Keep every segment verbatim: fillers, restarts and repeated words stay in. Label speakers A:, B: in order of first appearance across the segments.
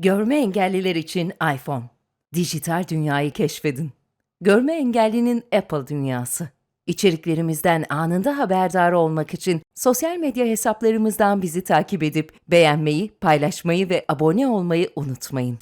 A: Görme engelliler için iPhone. Dijital dünyayı keşfedin. Görme engellinin Apple dünyası. İçeriklerimizden anında haberdar olmak için sosyal medya hesaplarımızdan bizi takip edip beğenmeyi, paylaşmayı ve abone olmayı unutmayın.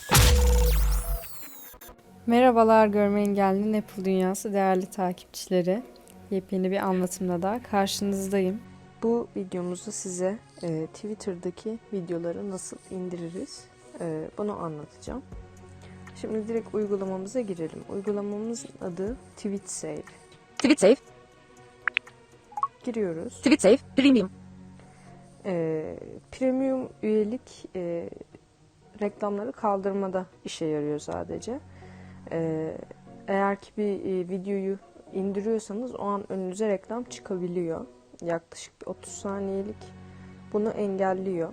B: Merhabalar Görme Engelli'nin Apple Dünyası değerli takipçileri. Yepyeni bir anlatımla da karşınızdayım. Bu videomuzda size e, Twitter'daki videoları nasıl indiririz e, bunu anlatacağım. Şimdi direkt uygulamamıza girelim. Uygulamamızın adı TweetSave.
C: TweetSave,
B: Giriyoruz.
C: TweetSave Premium.
B: E, premium üyelik e, reklamları kaldırmada işe yarıyor sadece. E, eğer ki bir e, videoyu indiriyorsanız o an önünüze reklam çıkabiliyor. Yaklaşık bir otuz saniyelik bunu engelliyor.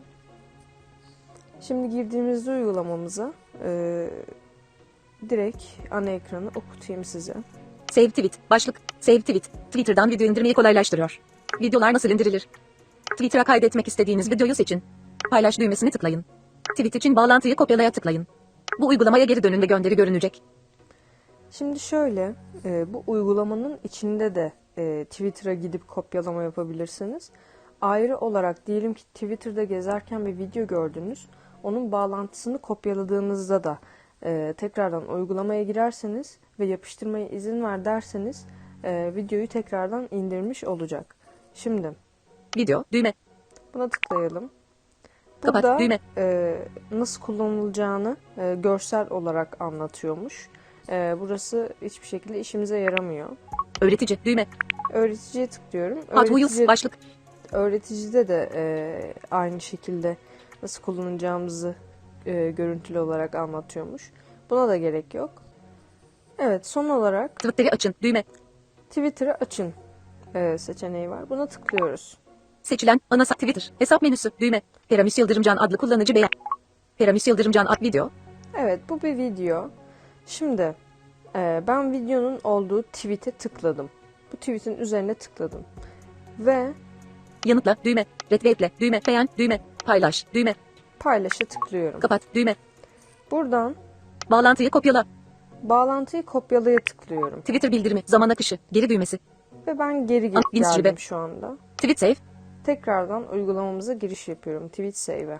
B: Şimdi girdiğimizde uygulamamıza e, direkt ana ekranı okutayım size.
C: Save Tweet, başlık, Save Tweet, Twitter'dan video indirmeyi kolaylaştırıyor. Videolar nasıl indirilir? Twitter'a kaydetmek istediğiniz videoyu seçin. Paylaş düğmesini tıklayın. Tweet için bağlantıyı kopyalaya tıklayın. Bu uygulamaya geri dönün ve gönderi görünecek.
B: Şimdi şöyle, e, bu uygulamanın içinde de e, Twitter'a gidip kopyalama yapabilirsiniz. Ayrı olarak diyelim ki Twitter'da gezerken bir video gördünüz. Onun bağlantısını kopyaladığınızda da e, tekrardan uygulamaya girerseniz ve yapıştırmaya izin ver derseniz e, videoyu tekrardan indirmiş olacak. Şimdi
C: Video, düğme,
B: buna tıklayalım.
C: kapat,
B: Burada
C: düğme,
B: e, nasıl kullanılacağını e, görsel olarak anlatıyormuş. E, burası hiçbir şekilde işimize yaramıyor.
C: öğretici, düğme,
B: Öğreticiye tıklıyorum.
C: Hot Wheels,
B: Öğretici,
C: başlık,
B: öğreticide de e, aynı şekilde nasıl kullanacağımızı e, görüntülü olarak anlatıyormuş. Buna da gerek yok. Evet, son olarak
C: Twitter'ı açın, düğme,
B: Twitter'ı açın e, seçeneği var. Buna tıklıyoruz.
C: seçilen, ana sa- Twitter, hesap menüsü, düğme, Peramis Yıldırımcan adlı kullanıcı beğen, Peramis Yıldırımcan ad video,
B: Evet, bu bir video. Şimdi e, ben videonun olduğu tweet'e tıkladım. Bu tweet'in üzerine tıkladım. Ve
C: yanıtla, düğme, retweetle, düğme, beğen, düğme, paylaş, düğme,
B: paylaşa tıklıyorum.
C: kapat, düğme,
B: Buradan
C: bağlantıyı kopyala,
B: bağlantıyı kopyalaya tıklıyorum.
C: Twitter bildirimi, zaman akışı, geri düğmesi,
B: Ve ben geri
C: An-
B: ge-
C: Instagram.
B: geldim şu anda.
C: TweetSave,
B: Tekrardan uygulamamıza giriş yapıyorum. TweetSave'e.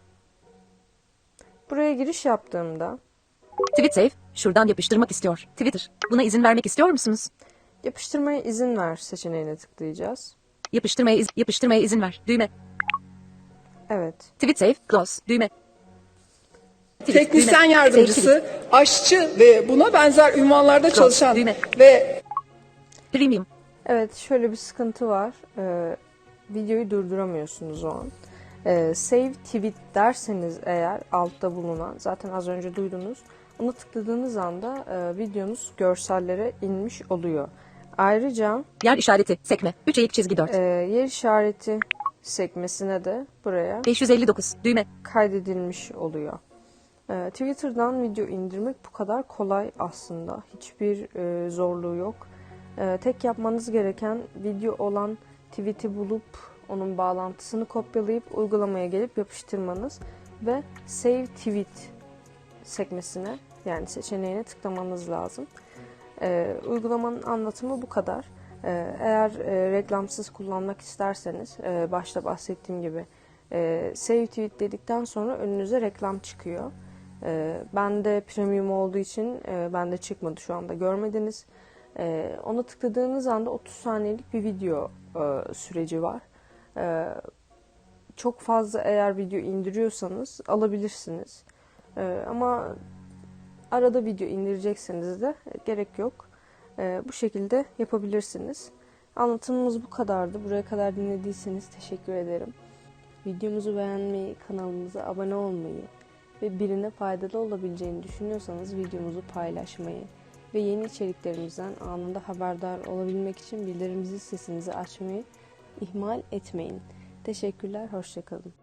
B: Buraya giriş yaptığımda
C: TweetSave, şuradan yapıştırmak istiyor. Twitter, buna izin vermek istiyor musunuz?
B: yapıştırmaya izin ver seçeneğine tıklayacağız.
C: Yapıştırmaya, iz- yapıştırmaya izin ver. Düğme.
B: Evet.
C: TweetSave, close. Düğme. Tweet,
D: Teknisyen
C: düğme.
D: yardımcısı,
C: Save tweet.
D: aşçı ve buna benzer ünvanlarda çalışan
C: düğme.
D: ve
C: Premium.
B: Evet, şöyle bir sıkıntı var. Ee, videoyu durduramıyorsunuz o an. Ee, save tweet derseniz eğer altta bulunan, zaten az önce duydunuz. Ona tıkladığınız anda e, videonuz görsellere inmiş oluyor. Ayrıca
C: Yer işareti, sekme. üç eğik çizgi dört.
B: e, yer işareti sekmesine de buraya
C: beş yüz elli dokuz. Düğme.
B: kaydedilmiş oluyor. Ee, Twitter'dan video indirmek bu kadar kolay aslında. Hiçbir e, zorluğu yok. Ee, tek yapmanız gereken video olan tweet'i bulup onun bağlantısını kopyalayıp uygulamaya gelip yapıştırmanız ve Save Tweet sekmesine, yani seçeneğine tıklamanız lazım. Ee, uygulamanın anlatımı bu kadar. Ee, eğer e, reklamsız kullanmak isterseniz e, başta bahsettiğim gibi e, Save Tweet dedikten sonra önünüze reklam çıkıyor. E, bende premium olduğu için e, bende çıkmadı, şu anda görmediniz. E, ona tıkladığınız anda otuz saniyelik bir video e, süreci var. E, çok fazla eğer video indiriyorsanız alabilirsiniz. E, ama arada video indirecekseniz de gerek yok. E, bu şekilde yapabilirsiniz. Anlatımımız bu kadardı. Buraya kadar dinlediyseniz teşekkür ederim. Videomuzu beğenmeyi, kanalımıza abone olmayı ve birine faydalı olabileceğini düşünüyorsanız videomuzu paylaşmayı ve yeni içeriklerimizden anında haberdar olabilmek için bildirim zil sesinizi açmayı ihmal etmeyin. Teşekkürler, hoşça kalın.